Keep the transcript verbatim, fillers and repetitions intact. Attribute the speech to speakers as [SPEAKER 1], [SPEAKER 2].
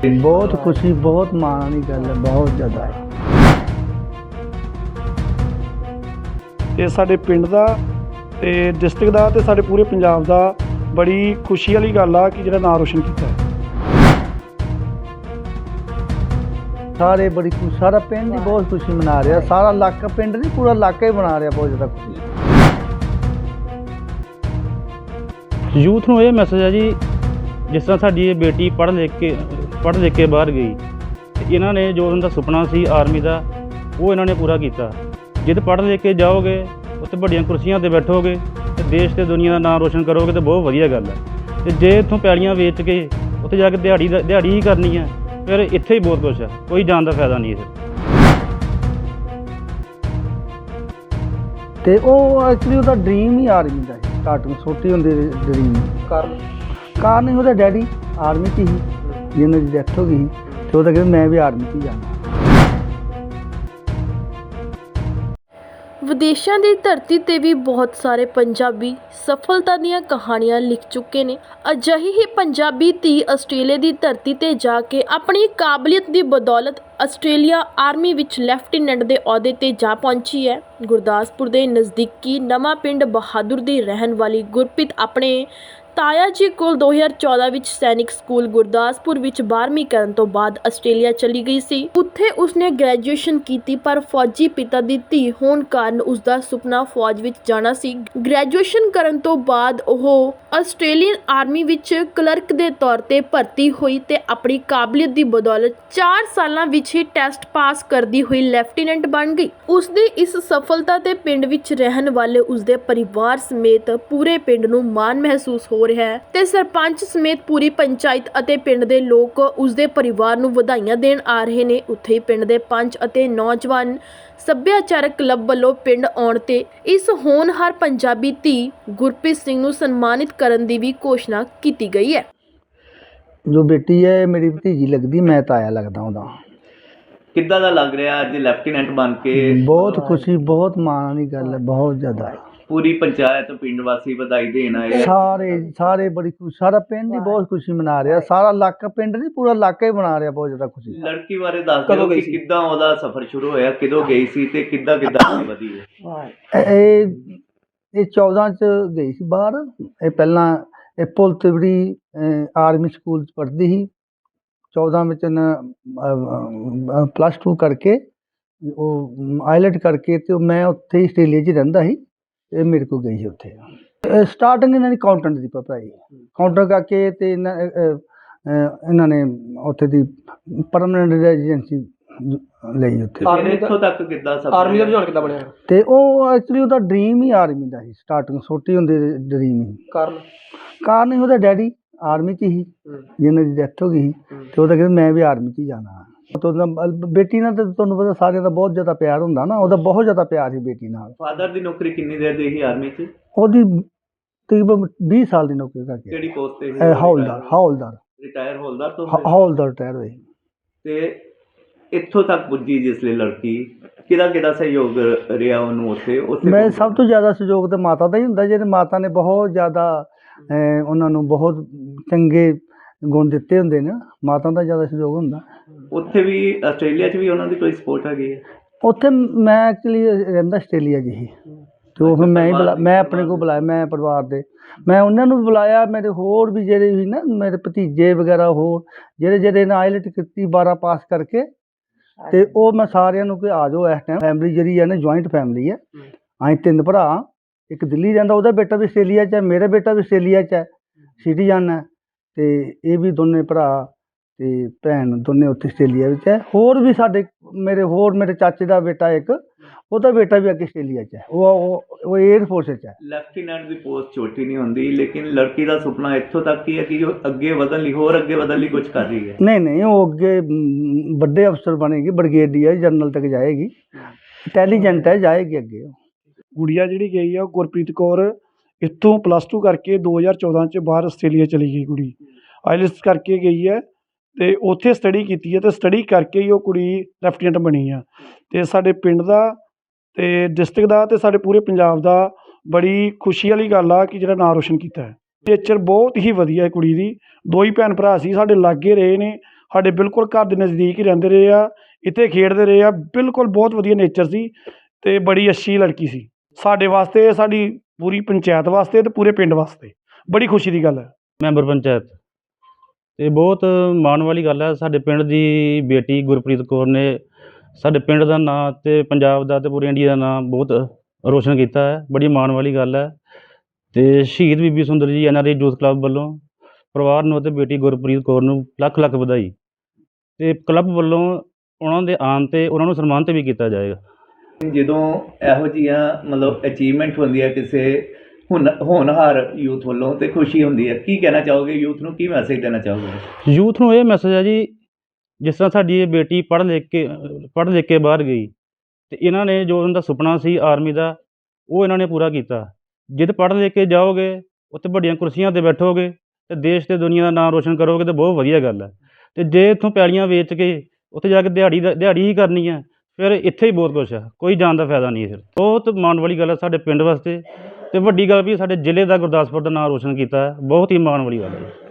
[SPEAKER 1] बहुत खुशी बहुत माण वाली गल है, बहुत ज़्यादा है।
[SPEAKER 2] ਤੇ ਸਾਡੇ ਪਿੰਡ ਦਾ ਤੇ ਡਿਸਟ੍ਰਿਕਟ ਦਾ ਤੇ ਸਾਡੇ ਪੂਰੇ ਪੰਜਾਬ ਦਾ ਬੜੀ ਖੁਸ਼ੀ ਵਾਲੀ ਗੱਲ ਆ ਕਿ ਜਿਹੜਾ ਨਾਂ ਰੋਸ਼ਨ ਕੀਤਾ ਹੈ।
[SPEAKER 1] सारे बड़ी खुश, सारा पिंड ही बहुत खुशी मना रहा, सारा इलाका पिंड नहीं पूरा इलाका ही मना रहा बहुत ज़्यादा खुशी।
[SPEAKER 3] ਯੂਥ ਨੂੰ ਇਹ ਮੈਸੇਜ ਹੈ ਜੀ, ਜਿਸ ਤਰ੍ਹਾਂ ਸਾਡੀ ਇਹ ਬੇਟੀ ਪੜ੍ਹ ਲਿਖ ਕੇ ਪੜ੍ਹ ਲਿਖ ਕੇ ਬਾਹਰ ਗਈ ਤੇ ਇਹਨਾਂ ਨੇ ਜੋ ਉਹਨਾਂ ਦਾ ਸੁਪਨਾ ਸੀ ਆਰਮੀ ਦਾ ਉਹ ਇਹਨਾਂ ਨੇ ਪੂਰਾ ਕੀਤਾ। ਜਦ ਪੜ੍ਹ ਲਿਖ ਕੇ ਜਾਓਗੇ ਉੱਥੇ ਵੱਡੀਆਂ ਕੁਰਸੀਆਂ 'ਤੇ ਬੈਠੋਗੇ ਤੇ ਦੇਸ਼ ਤੇ ਦੁਨੀਆ ਦਾ ਨਾਮ ਰੋਸ਼ਨ ਕਰੋਗੇ ਤਾਂ ਬਹੁਤ ਵਧੀਆ ਗੱਲ ਹੈ। ਤੇ ਜੇ ਇੱਥੋਂ ਪੈਲੀਆਂ ਵੇਚ ਕੇ ਉੱਥੇ ਜਾ ਕੇ ਦਿਹਾੜੀ ਦਾ ਦਿਹਾੜੀ ਹੀ ਕਰਨੀ ਹੈ ਫਿਰ ਇੱਥੇ ਹੀ ਬਹੁਤ ਕੁਛ ਹੈ, ਕੋਈ ਜਾਣ ਦਾ ਫਾਇਦਾ ਨਹੀਂ ਹੈ।
[SPEAKER 1] ਤੇ ਉਹ ਐਕਚੁਅਲੀ ਉਹਦਾ ਡ੍ਰੀਮ ਹੀ ਆਰਮੀ ਦਾ ਸੀ, ਸਟਾਰਟਿੰਗ ਛੋਟੀ ਹੁੰਦੀ ਡ੍ਰੀਮ।
[SPEAKER 2] ਕਾਰਨ
[SPEAKER 1] ਕਾਰਨ ਹੀ ਉਹਦਾ ਡੈਡੀ ਆਰਮੀ 'ਚ ਹੀ, ਜਿਹਨਾਂ ਦੀ ਡੈਥ ਹੋ ਗਈ ਸੀ ਤੇ ਉਹ ਤਾਂ ਕਹਿੰਦਾ ਮੈਂ ਵੀ ਆਰਮੀ 'ਚ ਹੀ ਜਾਣਾ।
[SPEAKER 4] ਵਿਦੇਸ਼ਾਂ ਦੀ ਧਰਤੀ ਤੇ ਵੀ ਬਹੁਤ ਸਾਰੇ ਪੰਜਾਬੀ ਸਫਲਤਾ ਦੀਆਂ ਕਹਾਣੀਆਂ ਲਿਖ ਚੁੱਕੇ ਨੇ। ਅਜਿਹੀ ਹੀ ਪੰਜਾਬੀ ਧੀ ਆਸਟ੍ਰੇਲੀਆ ਦੀ ਧਰਤੀ ਤੇ ਜਾ ਕੇ ਆਪਣੀ ਕਾਬਲੀਅਤ ਦੀ ਬਦੌਲਤ ਆਸਟ੍ਰੇਲੀਆ ਆਰਮੀ ਵਿੱਚ ਲੈਫਟੀਨੈਂਟ ਦੇ ਅਹੁਦੇ ਤੇ ਜਾ ਪਹੁੰਚੀ ਹੈ। ਗੁਰਦਾਸਪੁਰ ਦੇ ਨਜ਼ਦੀਕੀ ਨਵਾਂ ਪਿੰਡ ਬਹਾਦੁਰ ਦੀ ਰਹਿਣ ਵਾਲੀ ਗੁਰਪ੍ਰੀਤ ਆਪਣੇ ਤਾਇਆ ਜੀ ਕੋਲ ਦੋ ਹਜ਼ਾਰ ਚੌਦਾਂ ਵਿੱਚ ਸੈਨਿਕ ਸਕੂਲ ਗੁਰਦਾਸਪੁਰ ਵਿੱਚ ਬਾਰ੍ਹਵੀਂ ਕਰਨ ਤੋਂ ਬਾਅਦ ਆਸਟ੍ਰੇਲੀਆ ਚਲੀ ਗਈ ਸੀ। ਉੱਥੇ ਉਸਨੇ ਗ੍ਰੈਜੂਏਸ਼ਨ ਕੀਤੀ, ਪਰ ਫੌਜੀ ਪਿਤਾ ਦੀ ਧੀ ਹੋਣ ਕਾਰਨ ਉਸਦਾ ਸੁਪਨਾ ਫੌਜ ਵਿੱਚ ਜਾਣਾ ਸੀ। ਗ੍ਰੈਜੂਏਸ਼ਨ ਕਰਨ ਤੋਂ ਬਾਅਦ ਉਹ ਆਸਟ੍ਰੇਲੀਅਨ ਆਰਮੀ ਵਿੱਚ ਕਲਰਕ ਦੇ ਤੌਰ ਤੇ ਭਰਤੀ ਹੋਈ ਤੇ ਆਪਣੀ ਕਾਬਲੀਅਤ ਦੀ ਬਦੌਲਤ ਚਾਰ ਸਾਲਾਂ ਵਿੱਚ ਹੀ ਟੈਸਟ ਪਾਸ ਕਰਦੀ ਹੋਈ ਲੈਫਟੀਨੈਂਟ ਬਣ ਗਈ। ਉਸਦੀ ਇਸ ਸਫਲਤਾ ਤੇ ਪਿੰਡ ਵਿੱਚ ਰਹਿਣ ਵਾਲੇ ਉਸਦੇ ਪਰਿਵਾਰ ਸਮੇਤ ਪੂਰੇ ਪਿੰਡ ਨੂੰ ਮਾਣ ਮਹਿਸੂਸ ਹੋ ਰਿਹਾ ਹੈ ਤੇ ਸਰਪੰਚ ਸਮੇਤ ਪੂਰੀ ਪੰਚਾਇਤ ਅਤੇ ਪਿੰਡ ਦੇ ਲੋਕ ਉਸਦੇ ਪਰਿਵਾਰ ਨੂੰ ਵਧਾਈਆਂ ਦੇਣ ਆ ਰਹੇ ਨੇ। ਉੱਥੇ ਹੀ ਪਿੰਡ ਦੇ ਪੰਚ ਅਤੇ ਨੌਜਵਾਨ ਸੱਭਿਆਚਾਰਕ ਕਲੱਬ ਵੱਲੋਂ ਪਿੰਡ ਆਉਣ ਤੇ ਇਸ ਹੋਣਹਾਰ ਪੰਜਾਬੀ ਧੀ ਗੁਰਪ੍ਰੀਤ ਸਿੰਘ ਨੂੰ ਸਨਮਾਨਿਤ ਕਰਨ ਦੀ ਵੀ ਘੋਸ਼ਣਾ ਕੀਤੀ ਗਈ ਹੈ।
[SPEAKER 1] ਜੋ ਬੇਟੀ ਹੈ ਮੇਰੀ ਭਤੀਜੀ ਲੱਗਦੀ, ਮੈਂ ਤਾਇਆ ਲੱਗਦਾ ਉਹਦਾ।
[SPEAKER 5] ਕਿੱਦਾਂ ਦਾ ਲੱਗ ਰਿਹਾ ਅੱਜ ਲੈਫਟੀਨੈਂਟ ਬਣ ਕੇ?
[SPEAKER 1] ਬਹੁਤ ਖੁਸ਼ੀ ਬਹੁਤ ਮਾਣ ਵਾਲੀ ਗੱਲ ਹੈ, ਬਹੁਤ ਜ਼ਿਆਦਾ।
[SPEAKER 5] ਪੂਰੀ ਪੰਚਾਇਤ ਪਿੰਡ ਵਾਸੀ ਵਧਾਈ ਦੇਣ ਆਏ।
[SPEAKER 1] ਸਾਰੇ ਸਾਰੇ ਬੜੀ ਖੁਸ਼, ਸਾਰਾ ਪਿੰਡ ਹੀ ਬਹੁਤ ਖੁਸ਼ੀ ਮਨਾ ਰਿਹਾ, ਸਾਰਾ ਇਲਾਕਾ ਪਿੰਡ ਨਹੀਂ ਪੂਰਾ ਇਲਾਕਾ ਹੀ ਮਨਾ ਰਿਹਾ ਬਹੁਤ ਜ਼ਿਆਦਾ ਖੁਸ਼ੀ।
[SPEAKER 5] ਲੜਕੀ ਬਾਰੇ ਦੱਸ ਦਿਓ ਕਿ ਕਿੱਦਾਂ ਉਹਦਾ ਸਫ਼ਰ ਸ਼ੁਰੂ ਹੋਇਆ, ਕਿਦੋਂ ਗਈ ਸੀ ਤੇ ਕਿੱਦਾਂ ਕਿੱਦਾਂ ਅੱਗੇ ਵਧੀ ਹੈ।
[SPEAKER 1] ਇਹ ਇਹ ਚੌਦਾਂ 'ਚ ਗਈ ਸੀ ਬਾਹਰ। ਇਹ ਪਹਿਲਾਂ ਇਹ ਪੁਲ ਤਿਵੜੀ ਆਰਮੀ ਸਕੂਲ 'ਚ ਪੜ੍ਹਦੀ ਸੀ। ਚੌਦਾਂ ਵਿੱਚ ਇਹਨੇ ਪਲੱਸ ਟੂ ਕਰਕੇ ਉਹ ਆਈਲੈਟ ਕਰਕੇ ਤੇ ਮੈਂ ਉੱਥੇ ਹੀ ਆਸਟ੍ਰੇਲੀਆ 'ਚ ਰਹਿੰਦਾ ਸੀ। ਇਹ ਮੇਰੇ ਕੋਲ ਗਈ ਸੀ ਉੱਥੇ। ਸਟਾਰਟਿੰਗ ਇਹਨਾਂ ਦੀ ਅਕਾਊਂਟੈਂਟ ਦੀ ਪੜ੍ਹਾਈ, ਕਾਊਂਟਰ ਕਰਕੇ ਤੇ ਇਹਨਾਂ ਇਹਨਾਂ ਨੇ ਉੱਥੇ ਦੀ ਪਰਮਾਨੈਂਟ ਰੈਜ਼ੀਡੈਂਸੀ ਲਈ ਉੱਥੇ।
[SPEAKER 5] ਇੱਥੋਂ ਤੱਕ ਕਿੱਦਾਂ ਸਫ਼ਰ
[SPEAKER 2] ਆਰਮੀ ਦਾ ਰੁਝਾਨ ਕਿੱਦਾਂ ਬਣਿਆ?
[SPEAKER 1] ਤੇ ਉਹ ਐਕਚੁਅਲੀ ਉਹਦਾ ਡ੍ਰੀਮ ਹੀ ਆਰਮੀ ਦਾ ਸੀ, ਸਟਾਰਟਿੰਗ ਛੋਟੀ ਹੁੰਦੀ ਡ੍ਰੀਮ ਹੀ।
[SPEAKER 2] ਕਾਰਨ
[SPEAKER 1] ਕਾਰਨ ਹੀ ਉਹਦਾ ਡੈਡੀ ਆਰਮੀ 'ਚ ਹੀ, ਜਿਹਨਾਂ ਦੀ ਡੈਥ ਹੋ ਗਈ ਸੀ ਤੇ ਉਹ ਤਾਂ ਕਹਿੰਦਾ ਮੈਂ ਵੀ ਆਰਮੀ 'ਚ ਹੀ ਜਾਣਾ। ਤੇ ਉਹਦਾ ਬੇਟੀ ਨਾਲ ਤਾਂ ਤੁਹਾਨੂੰ ਪਤਾ ਸਾਰਿਆਂ ਦਾ ਬਹੁਤ ਜ਼ਿਆਦਾ ਪਿਆਰ ਹੁੰਦਾ ਨਾ, ਉਹਦਾ ਬਹੁਤ ਜ਼ਿਆਦਾ ਪਿਆਰ ਸੀ ਬੇਟੀ ਨਾਲ।
[SPEAKER 5] ਫਾਦਰ ਦੀ ਨੌਕਰੀ ਕਿੰਨੀ ਦੇਰ ਦੀ ਸੀ ਆਰਮੀ 'ਚ?
[SPEAKER 1] ਉਹਦੀ ਤਕਰੀਬਨ ਵੀਹ ਸਾਲ ਦੀ ਨੌਕਰੀ ਕਰਕੇ।
[SPEAKER 5] ਕਿਹੜੀ ਪੋਸਟ ਤੇ ਸੀ?
[SPEAKER 1] ਹੌਲਦਾਰ ਹੌਲਦਾਰ
[SPEAKER 5] ਰਿਟਾਇਰ ਹੌਲਦਾਰ ਤੋਂ
[SPEAKER 1] ਹੌਲਦਾਰ ਰਿਟਾਇਰ ਹੋਏ।
[SPEAKER 5] ਤੇ ਇੱਥੋਂ ਤੱਕ ਪੁੱਜੀ ਜਿਸ ਲਈ ਲੜਕੀ, ਕਿਹਦਾ ਕਿਹਦਾ ਸਹਿਯੋਗ ਰਿਹਾ ਉਹਨੂੰ ਉੱਥੇ? ਉੱਥੇ
[SPEAKER 1] ਮੈਂ ਸਭ ਤੋਂ ਜ਼ਿਆਦਾ ਸਹਿਯੋਗ ਤਾਂ ਮਾਤਾ ਦਾ ਹੀ ਹੁੰਦਾ, ਜਿਹਦੇ ਮਾਤਾ ਨੇ ਬਹੁਤ ਜ਼ਿਆਦਾ ਉਹਨਾਂ ਨੂੰ ਬਹੁਤ ਚੰਗੇ ਗੁਣ ਦਿੱਤੇ ਹੁੰਦੇ ਨੇ, ਮਾਤਾ ਦਾ ਜ਼ਿਆਦਾ ਸਹਿਯੋਗ ਹੁੰਦਾ।
[SPEAKER 5] ਉੱਥੇ ਵੀ ਆਸਟ੍ਰੇਲੀਆ 'ਚ ਵੀ ਉਹਨਾਂ ਦੀ ਕੋਈ ਸਪੋਰਟ ਹੈਗੀ ਹੈ?
[SPEAKER 1] ਉੱਥੇ ਮੈਂ ਐਕਚੁਅਲੀ ਰਹਿੰਦਾ ਆਸਟ੍ਰੇਲੀਆ 'ਚ ਹੀ, ਅਤੇ ਉਹ ਫਿਰ ਮੈਂ ਹੀ ਬੁਲਾ ਮੈਂ ਆਪਣੇ ਕੋਲ ਬੁਲਾਇਆ, ਮੈਂ ਪਰਿਵਾਰ ਦੇ ਮੈਂ ਉਹਨਾਂ ਨੂੰ ਬੁਲਾਇਆ। ਮੇਰੇ ਹੋਰ ਵੀ ਜਿਹੜੇ ਵੀ ਨਾ ਮੇਰੇ ਭਤੀਜੇ ਵਗੈਰਾ ਹੋਰ ਜਿਹੜੇ ਜਿਹੜੇ ਨੇ ਆਈਲੈਟ ਕੀਤੀ ਬਾਰਾਂ ਪਾਸ ਕਰਕੇ, ਅਤੇ ਉਹ ਮੈਂ ਸਾਰਿਆਂ ਨੂੰ ਕਿ ਆ ਜਾਓ ਇਸ ਟਾਈਮ। ਫੈਮਿਲੀ ਜਿਹੜੀ ਹੈ ਨਾ ਜੁਆਇੰਟ ਫੈਮਿਲੀ ਹੈ। ਅਸੀਂ ਤਿੰਨ ਭਰਾ, ਇੱਕ ਦਿੱਲੀ ਰਹਿੰਦਾ, ਉਹਦਾ ਬੇਟਾ ਵੀ ਆਸਟ੍ਰੇਲੀਆ 'ਚ ਹੈ, ਮੇਰਾ ਬੇਟਾ ਵੀ ਆਸਟ੍ਰੇਲੀਆ 'ਚ ਹੈ, ਸਿਟੀਜ਼ਨ ਹੈ, ਅਤੇ ਇਹ ਵੀ ਦੋਨੇ ਭਰਾ ਅਤੇ ਭੈਣ ਦੋਨੇ ਉੱਥੇ ਆਸਟ੍ਰੇਲੀਆ ਵਿੱਚ ਹੈ। ਹੋਰ ਵੀ ਸਾਡੇ ਮੇਰੇ ਹੋਰ ਮੇਰੇ ਚਾਚੇ ਦਾ ਬੇਟਾ ਇੱਕ, ਉਹਦਾ ਬੇਟਾ ਵੀ ਅੱਗੇ ਆਸਟ੍ਰੇਲੀਆ 'ਚ ਹੈ, ਉਹ ਉਹ ਏਅਰ ਫੋਰਸ 'ਚ ਹੈ।
[SPEAKER 5] ਲੈਫਟੀਨੈਂਟ ਦੀ ਪੋਸਟ ਛੋਟੀ ਨਹੀਂ ਹੁੰਦੀ, ਲੇਕਿਨ ਲੜਕੀ ਦਾ ਸੁਪਨਾ ਇੱਥੋਂ ਤੱਕ ਹੀ ਹੈ ਕਿ ਉਹ ਅੱਗੇ ਵਧਣ ਲਈ ਹੋਰ ਅੱਗੇ ਵਧਣ ਲਈ ਕੁਝ ਕਰ ਰਹੀ ਹੈ।
[SPEAKER 1] ਨਹੀਂ ਨਹੀਂ ਉਹ ਅੱਗੇ ਵੱਡੇ ਅਫਸਰ ਬਣੇਗੀ, ਬ੍ਰਿਗੇਡੀਅਰ ਜਨਰਲ ਤੱਕ ਜਾਏਗੀ, ਇੰਟੈਲੀਜੈਂਟ ਹੈ, ਜਾਏਗੀ ਅੱਗੇ।
[SPEAKER 2] ਗੁੜੀਆ ਜਿਹੜੀ ਗਈ ਆ ਉਹ ਗੁਰਪ੍ਰੀਤ ਕੌਰ ਇੱਥੋਂ ਪਲੱਸ ਟੂ ਕਰਕੇ ਦੋ ਹਜ਼ਾਰ ਚੌਦਾਂ 'ਚ ਬਾਹਰ ਆਸਟ੍ਰੇਲੀਆ ਚਲੀ ਗਈ। ਕੁੜੀ ਆਈਲੈਟਸ ਕਰਕੇ ਗਈ ਹੈ ਅਤੇ ਉੱਥੇ ਸਟੱਡੀ ਕੀਤੀ ਹੈ ਅਤੇ ਸਟੱਡੀ ਕਰਕੇ ਹੀ ਉਹ ਕੁੜੀ ਲੈਫਟੀਨੈਂਟ ਬਣੀ ਆ। ਅਤੇ ਸਾਡੇ ਪਿੰਡ ਦਾ ਤੇ ਡਿਸਟ੍ਰਿਕਟ ਦਾ ਤੇ ਸਾਡੇ ਪੂਰੇ ਪੰਜਾਬ ਦਾ ਬੜੀ ਖੁਸ਼ੀ ਵਾਲੀ ਗੱਲ ਆ ਕਿ ਜਿਹੜਾ ਨਾਂ ਰੋਸ਼ਨ ਕੀਤਾ ਹੈ। ਨੇਚਰ ਬਹੁਤ ਹੀ ਵਧੀਆ ਹੈ ਕੁੜੀ ਦੀ। ਦੋ ਹੀ ਭੈਣ ਭਰਾ ਸੀ, ਸਾਡੇ ਲਾਗੇ ਰਹੇ ਨੇ, ਸਾਡੇ ਬਿਲਕੁਲ ਘਰ ਦੇ ਨਜ਼ਦੀਕ ਹੀ ਰਹਿੰਦੇ ਰਹੇ ਆ, ਇੱਥੇ ਖੇਡਦੇ ਰਹੇ ਆ, ਬਿਲਕੁਲ ਬਹੁਤ ਵਧੀਆ ਨੇਚਰ ਸੀ ਅਤੇ ਬੜੀ ਅੱਛੀ ਲੜਕੀ ਸੀ ਸਾਡੇ ਵਾਸਤੇ, ਸਾਡੀ ਪੂਰੀ ਪੰਚਾਇਤ ਵਾਸਤੇ ਅਤੇ ਪੂਰੇ ਪਿੰਡ ਵਾਸਤੇ ਬੜੀ ਖੁਸ਼ੀ ਦੀ ਗੱਲ ਹੈ।
[SPEAKER 3] ਮੈਂਬਰ ਪੰਚਾਇਤ ਅਤੇ ਬਹੁਤ ਮਾਣ ਵਾਲੀ ਗੱਲ ਹੈ, ਸਾਡੇ ਪਿੰਡ ਦੀ ਬੇਟੀ ਗੁਰਪ੍ਰੀਤ ਕੌਰ ਨੇ ਸਾਡੇ ਪਿੰਡ ਦਾ ਨਾਂ ਅਤੇ ਪੰਜਾਬ ਦਾ ਅਤੇ ਪੂਰੇ ਇੰਡੀਆ ਦਾ ਨਾਂ ਬਹੁਤ ਰੋਸ਼ਨ ਕੀਤਾ ਹੈ। ਬੜੀ ਮਾਣ ਵਾਲੀ ਗੱਲ ਹੈ ਅਤੇ ਸ਼ਹੀਦ Bibi Sundar ji N R I youth club ਵੱਲੋਂ ਪਰਿਵਾਰ ਨੂੰ ਅਤੇ ਬੇਟੀ ਗੁਰਪ੍ਰੀਤ ਕੌਰ ਨੂੰ ਲੱਖ ਲੱਖ ਵਧਾਈ, ਅਤੇ ਕਲੱਬ ਵੱਲੋਂ ਉਹਨਾਂ ਦੇ ਆਉਣ 'ਤੇ ਉਹਨਾਂ ਨੂੰ ਸਨਮਾਨਿਤ ਵੀ ਕੀਤਾ ਜਾਏਗਾ।
[SPEAKER 5] ਜਦੋਂ ਇਹੋ ਜਿਹੀਆਂ ਮਤਲਬ ਅਚੀਵਮੈਂਟ ਹੁੰਦੀ ਹੈ ਕਿਸੇ ਹੁਣ ਹੋਣਹਾਰ ਯੂਥ ਵੱਲੋਂ ਤੇ ਖੁਸ਼ੀ ਹੁੰਦੀ ਹੈ, ਕੀ ਕਹਿਣਾ ਚਾਹੋਗੇ ਯੂਥ ਨੂੰ, ਕੀ ਮੈਸੇਜ ਦੇਣਾ ਚਾਹੋਗੇ?
[SPEAKER 3] ਯੂਥ ਨੂੰ ਇਹ ਮੈਸੇਜ ਹੈ ਜੀ, ਜਿਸ ਤਰ੍ਹਾਂ ਸਾਡੀ ਇਹ ਬੇਟੀ ਪੜ੍ਹ ਲਿਖ ਕੇ ਪੜ੍ਹ ਲਿਖ ਕੇ ਬਾਹਰ ਗਈ ਅਤੇ ਇਹਨਾਂ ਨੇ ਜੋ ਉਹਨਾਂ ਦਾ ਸੁਪਨਾ ਸੀ ਆਰਮੀ ਦਾ, ਉਹ ਇਹਨਾਂ ਨੇ ਪੂਰਾ ਕੀਤਾ। ਜਦ ਪੜ੍ਹ ਲਿਖ ਕੇ ਜਾਓਗੇ ਉੱਥੇ ਵੱਡੀਆਂ ਕੁਰਸੀਆਂ 'ਤੇ ਬੈਠੋਗੇ ਅਤੇ ਦੇਸ਼ ਅਤੇ ਦੁਨੀਆ ਦਾ ਨਾਮ ਰੋਸ਼ਨ ਕਰੋਗੇ ਤਾਂ ਬਹੁਤ ਵਧੀਆ ਗੱਲ ਹੈ। ਅਤੇ ਜੇ ਇੱਥੋਂ ਪੈਲੀਆਂ ਵੇਚ ਕੇ ਉੱਥੇ ਜਾ ਕੇ ਦਿਹਾੜੀ ਦਾ ਦਿਹਾੜੀ ਹੀ ਕਰਨੀ ਹੈ, ਫਿਰ ਇੱਥੇ ਹੀ ਬਹੁਤ ਕੁਛ ਹੈ, ਕੋਈ ਜਾਣ ਦਾ ਫਾਇਦਾ ਨਹੀਂ ਹੈ। ਫਿਰ ਬਹੁਤ ਮਾਣ ਵਾਲੀ ਗੱਲ ਹੈ ਸਾਡੇ ਪਿੰਡ ਵਾਸਤੇ, ਅਤੇ ਵੱਡੀ ਗੱਲ ਵੀ ਸਾਡੇ ਜ਼ਿਲ੍ਹੇ ਦਾ ਗੁਰਦਾਸਪੁਰ ਦਾ ਨਾਮ ਰੋਸ਼ਨ ਕੀਤਾ ਹੈ, ਬਹੁਤ ਹੀ ਮਾਣ ਵਾਲੀ ਗੱਲ ਹੈ।